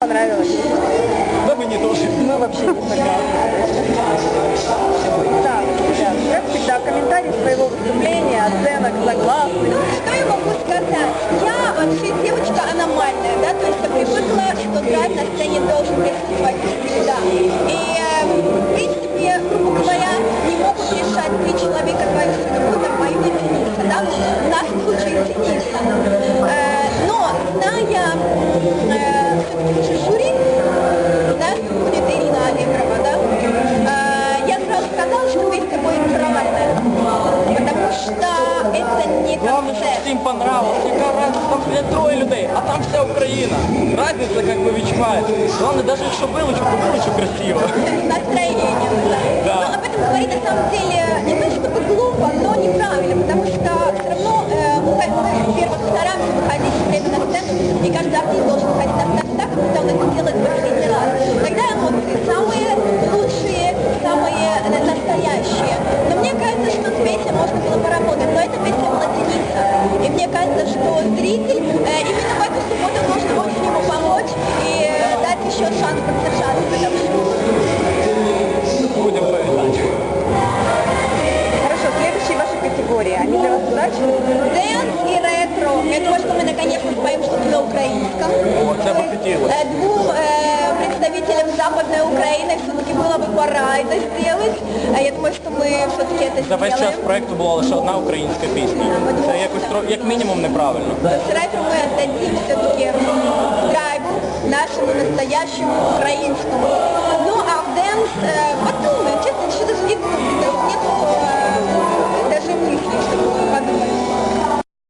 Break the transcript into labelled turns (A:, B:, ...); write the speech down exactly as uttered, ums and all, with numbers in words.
A: Понравилось?
B: Да, мне тоже.
A: Мы вообще не согласны. Так, ребят, как всегда, комментарий своего выступления, оценок, согласны.
C: Ну, что я могу сказать? Я вообще девочка аномальная, да, то есть я привыкла, что драйв на сцене должен присутствовать всегда. И, э, в принципе, грубо говоря, не могут решать три человека твою судьбу, там, мою не цениться, да, в нашем случае цениться. Э, но, зная э, все-таки жюри, знаю, что будет Ирина Аллегрова, да, э, я сразу сказала, что песня будет провальная, потому что это не
B: Главное,
C: концерт.
B: что им понравилось. Какая разница, там блядь, трое людей, а там вся Украина. Разница как бы відчувається. Главное, даже якщо вилучу, то вилучу красиво.
C: Настроение.
B: Да.
C: Но об этом говорить на самом деле не то чтобы глупо, но неправильно, потому что все равно э, мы, мы, во-первых, стараемся выходить все время на сцену, и каждый артист должен выходить на сцену так, когда он это делает в последний раз. Тогда эмоции самые лучшие, самые настоящие. Но мне кажется, что с песней можно было поработать, но эта песня была цениться. И мне кажется, что зритель э, именно в эту субботу должен очень ему помочь и э, дать еще шанс поддержаться в этом шоу.
B: Будем повидать.
A: Хорошо, следующие ваши категории, они для вас удачны?
C: Дэнс и ретро. Я думаю, что мы наконец-то споем что-то на украинском.
B: Вот, я бы хотела.
C: Э, Двум э, представителям Западной Украины все-таки было бы пора это сделать. А я думаю, что мы все-таки это
B: За весь час
C: сделаем.
B: проекту була лише одна українська пісня. Це якось тро- як мінімум неправильно.
C: То есть ретро мы отдадим все-таки драйву, нашему настоящему украинскому. Ну а в дэнс, э, подумаем, честно, что даже нет, даже нет э, даже мысли, что